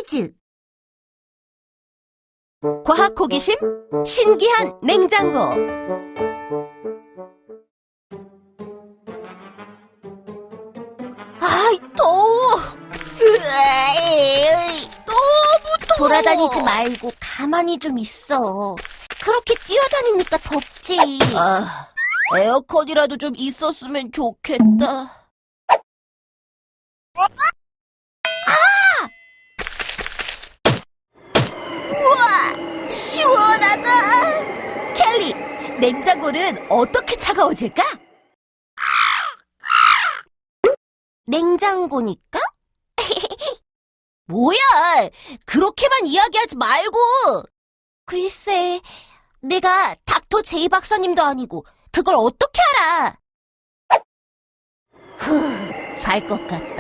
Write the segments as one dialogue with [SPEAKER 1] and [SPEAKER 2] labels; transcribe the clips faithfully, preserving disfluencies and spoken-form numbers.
[SPEAKER 1] 퀴즈!
[SPEAKER 2] 과학 호기심 신기한 냉장고. 아이, 더워. 으아이, 너무 더워.
[SPEAKER 1] 돌아다니지 말고 가만히 좀 있어. 그렇게 뛰어다니니까 덥지.
[SPEAKER 2] 아, 에어컨이라도 좀 있었으면 좋겠다.
[SPEAKER 1] 우와, 시원하다.
[SPEAKER 2] 켈리, 냉장고는 어떻게 차가워질까?
[SPEAKER 1] 냉장고니까?
[SPEAKER 2] 뭐야, 그렇게만 이야기하지 말고.
[SPEAKER 1] 글쎄, 내가 닥터 제이 박사님도 아니고 그걸 어떻게 알아?
[SPEAKER 2] 살 것 같다.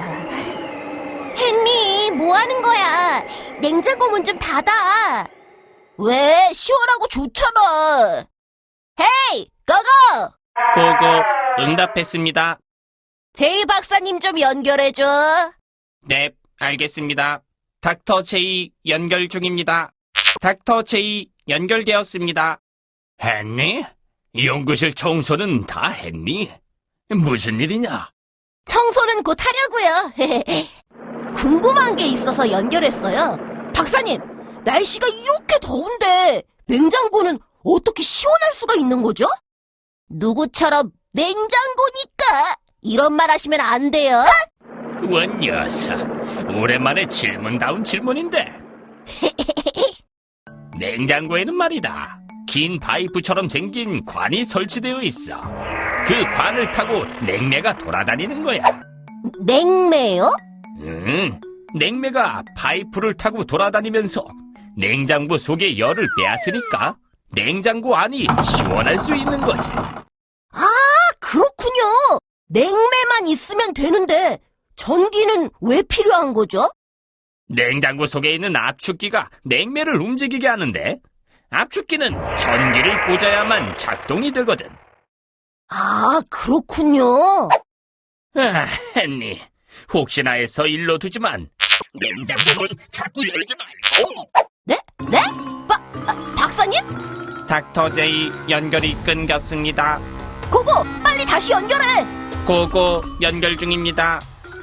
[SPEAKER 1] 헨리, 뭐 하는 거야? 냉장고 문 좀 닫아.
[SPEAKER 2] 왜? 시원하고 좋잖아. 헤이, 고고!
[SPEAKER 3] 고고, 응답했습니다.
[SPEAKER 2] 제이 박사님 좀 연결해줘.
[SPEAKER 3] 네, 알겠습니다. 닥터 제이 연결 중입니다. 닥터 제이 연결되었습니다. 했니? 연구실 청소는 다 했니? 무슨 일이냐?
[SPEAKER 2] 청소는 곧 하려고요. 궁금한 게 있어서 연결했어요. 박사님, 날씨가 이렇게 더운데 냉장고는 어떻게 시원할 수가 있는 거죠? 누구처럼 냉장고니까 이런 말 하시면 안 돼요.
[SPEAKER 3] 원 녀석, 오랜만에 질문다운 질문인데. 냉장고에는 말이다, 긴 파이프처럼 생긴 관이 설치되어 있어. 그 관을 타고 냉매가 돌아다니는 거야.
[SPEAKER 2] 냉매요?
[SPEAKER 3] 응, 냉매가 파이프를 타고 돌아다니면서 냉장고 속의 열을 빼앗으니까 냉장고 안이 시원할 수 있는 거지.
[SPEAKER 2] 아, 그렇군요. 냉매만 있으면 되는데 전기는 왜 필요한 거죠?
[SPEAKER 3] 냉장고 속에 있는 압축기가 냉매를 움직이게 하는데, 압축기는 전기를 꽂아야만 작동이 되거든.
[SPEAKER 2] 아, 그렇군요.
[SPEAKER 3] 아, 헨리, 혹시나 해서 일로 두지만 냉장고는 자꾸 열지 말고.
[SPEAKER 2] 네? 네? 박, 아, 박사님?
[SPEAKER 3] 닥터 제이 연결이 끊겼습니다.
[SPEAKER 2] 고고, 빨리 다시 연결해.
[SPEAKER 3] 고고, 연결 중입니다.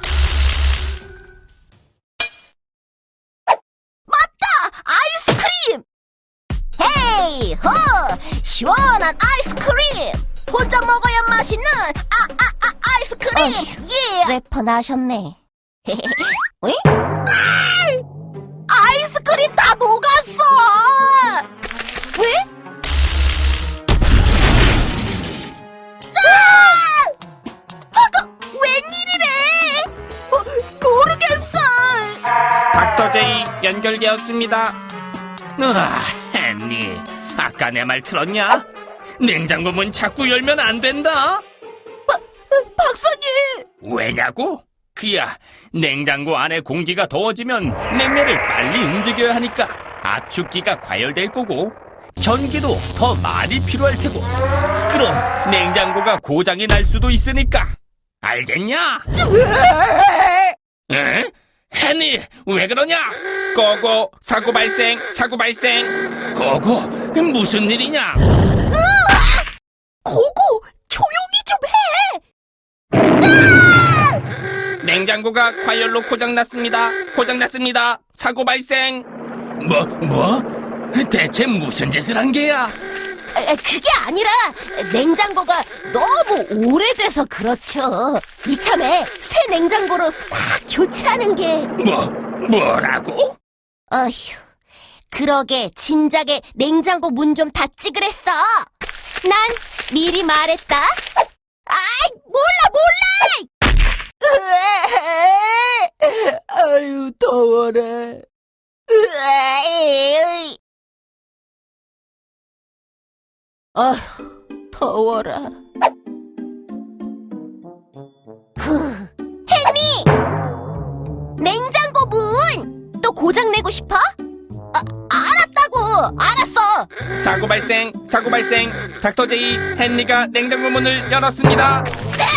[SPEAKER 2] 아이스크림! 헤이, 호! 시원한 아이스크림! 혼자 먹어야 맛있는 아, 아, 아, 아이스크림!
[SPEAKER 1] 어휴,
[SPEAKER 2] 예!
[SPEAKER 1] 래퍼 나셨네.
[SPEAKER 2] 어이? 아이스크림 다 녹았어! 왜? 아! 아까 웬일이래? 어, 모르겠어!
[SPEAKER 3] 닥터 제이 연결되었습니다. 으아, 헨리, 아까 내 말 들었냐? 냉장고 문 자꾸 열면 안 된다.
[SPEAKER 2] 박사님!
[SPEAKER 3] 왜냐고? 그야, 냉장고 안에 공기가 더워지면 냉매를 빨리 움직여야 하니까 압축기가 과열될 거고, 전기도 더 많이 필요할 테고, 그럼 냉장고가 고장이 날 수도 있으니까. 알겠냐? 에? 헨리, 왜 그러냐? 고고, 사고 발생, 사고 발생. 고고, 무슨 일이냐?
[SPEAKER 2] 고고! 조용히 좀 해!
[SPEAKER 3] 냉장고가 과열로 고장났습니다. 고장났습니다. 사고 발생. 뭐, 뭐? 대체 무슨 짓을 한 게야?
[SPEAKER 2] 아, 그게 아니라 냉장고가 너무 오래돼서 그렇죠. 이참에 새 냉장고로 싹 교체하는 게.
[SPEAKER 3] 뭐, 뭐라고?
[SPEAKER 1] 어휴, 그러게 진작에 냉장고 문 좀 닫지 그랬어. 난 미리 말했다.
[SPEAKER 2] 아이, 몰라, 몰라! 아유, 더워라.
[SPEAKER 1] 으아이,
[SPEAKER 2] 아휴, 더워라.
[SPEAKER 1] 헨리! 냉장고 문! 또 고장내고 싶어?
[SPEAKER 2] 아, 알았다고! 알았어!
[SPEAKER 3] 사고 발생, 사고 발생. 닥터 제이, 헨리가 냉장고 문을 열었습니다.
[SPEAKER 2] 네!